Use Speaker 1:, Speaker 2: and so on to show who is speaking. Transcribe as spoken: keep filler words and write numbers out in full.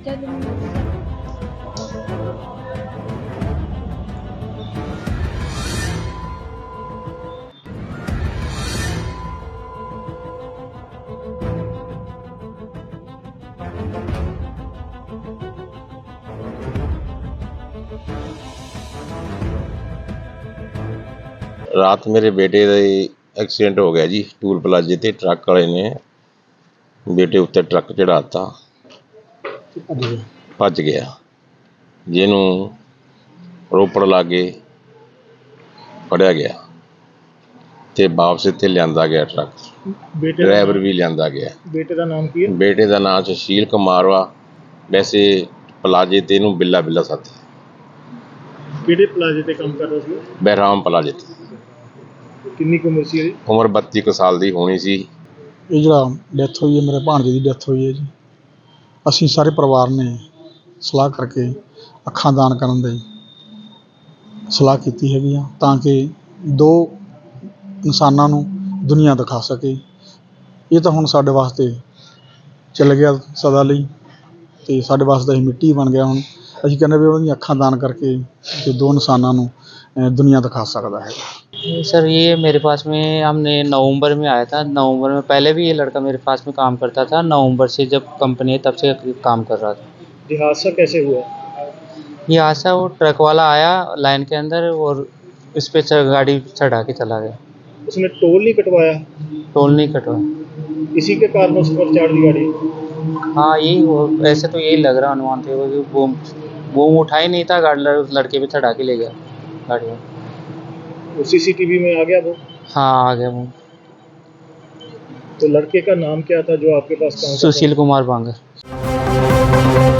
Speaker 1: जब
Speaker 2: ਰਾਤ ਮੇਰੇ ਬੇਟੇ ਦਾ ਐਕਸੀਡੈਂਟ ਹੋ ਗਿਆ ਜੀ। ਟੂਲ ਪਲਾਜ਼ੇ ਤੇ ਟਰੱਕ ਵਾਲੇ ਨੇ ਬੇਟੇ ਉੱਤੇ ਟਰੱਕ ਚੜਾਤਾ, ਭੱਜ ਗਿਆ। ਜਿਹਨੂੰ ਰੋਪੜ ਲਾਗੇ ਫੜਿਆ ਗਿਆ ਤੇ ਵਾਪਸ ਇੱਥੇ ਲਿਆਂਦਾ ਗਿਆ ਟਰੱਕ।
Speaker 3: ਬੇਟੇ
Speaker 2: ਡਰਾਈਵਰ ਵੀ ਲਿਆਂਦਾ ਗਿਆ।
Speaker 3: ਬੇਟੇ ਦਾ ਨਾਮ ਕੀ ਹੈ?
Speaker 2: ਬੇਟੇ ਦਾ ਨਾਮ ਸੁਸ਼ੀਲ ਕੁਮਾਰ ਵਾ। ਵੈਸੇ ਪਲਾਜ਼ੇ ਤੇ ਇਹਨੂੰ ਬਿੱਲਾ ਬਿੱਲਾ ਸਾਥੀ।
Speaker 3: ਕਿਹੜੇ ਪਲਾਜ਼ੇ ਤੇ ਕੰਮ ਕਰਦਾ ਸੀ?
Speaker 2: ਬਹਿਰਾਮ ਪਲਾਜ਼ੇ ਤੇ।
Speaker 3: ਕਿੰਨੀ ਕੁ ਉਮਰ ਸੀ ਇਹਦੀ?
Speaker 2: ਉਮਰ ਬੱਤੀ ਕੁ ਸਾਲ ਦੀ ਹੋਣੀ ਸੀ।
Speaker 4: ਇਹ ਜਿਹੜਾ ਡੈਥ ਹੋਈ ਹੈ, ਮੇਰੇ ਭਾਣਜੇ ਦੀ ਡੈਥ ਹੋਈ ਹੈ ਜੀ। ਅਸੀਂ ਸਾਰੇ ਪਰਿਵਾਰ ਨੇ ਸਲਾਹ ਕਰਕੇ ਅੱਖਾਂ ਦਾਨ ਕਰਨ ਦੀ ਸਲਾਹ ਕੀਤੀ ਹੈਗੀ ਆ, ਤਾਂ ਕਿ ਦੋ ਇਨਸਾਨਾਂ ਨੂੰ ਦੁਨੀਆ ਦਿਖਾ ਸਕੇ। ਇਹ ਤਾਂ ਹੁਣ ਸਾਡੇ ਵਾਸਤੇ ਚੱਲ ਗਿਆ ਸਦਾ ਲਈ, ਅਤੇ ਸਾਡੇ ਵਾਸਤੇ ਇਹ ਮਿੱਟੀ ਬਣ ਗਿਆ। ਹੁਣ ਅਸੀਂ ਕਹਿੰਦੇ ਵੀ ਉਹਦੀਆਂ ਅੱਖਾਂ ਦਾਨ ਕਰਕੇ ਤੇ ਦੋ ਇਨਸਾਨਾਂ ਨੂੰ ਦੁਨੀਆ ਦਿਖਾ ਸਕਦਾ है।
Speaker 5: सर ये मेरे पास में हमने नवंबर में आया था। नवंबर में पहले भी ये लड़का मेरे पास में काम करता था। नवंबर से जब कंपनी है तब से काम कर रहा था।
Speaker 3: ये हादसा कैसे हुआ?
Speaker 5: ये हादसा वो ट्रक वाला आया लाइन के अंदर और इस पे गाड़ी चढ़ा के चला गया।
Speaker 3: उसने टोल नहीं कटवाया?
Speaker 5: टोल नहीं कटवाया।
Speaker 3: इसी के कारण उस पर चढ़ दी गाड़ी?
Speaker 5: हाँ यही हो, ऐसे तो यही लग रहा अनुमान थे वो वो वो उठा ही नहीं था, गाड़ी लड़के पे चढ़ा के ले गया गाड़ी में।
Speaker 3: वो सीसीटीवी में आ गया वो?
Speaker 5: हाँ आ गया वो।
Speaker 3: तो लड़के का नाम क्या था जो आपके पास काम करता था?
Speaker 5: सुशील कुमार बांगर।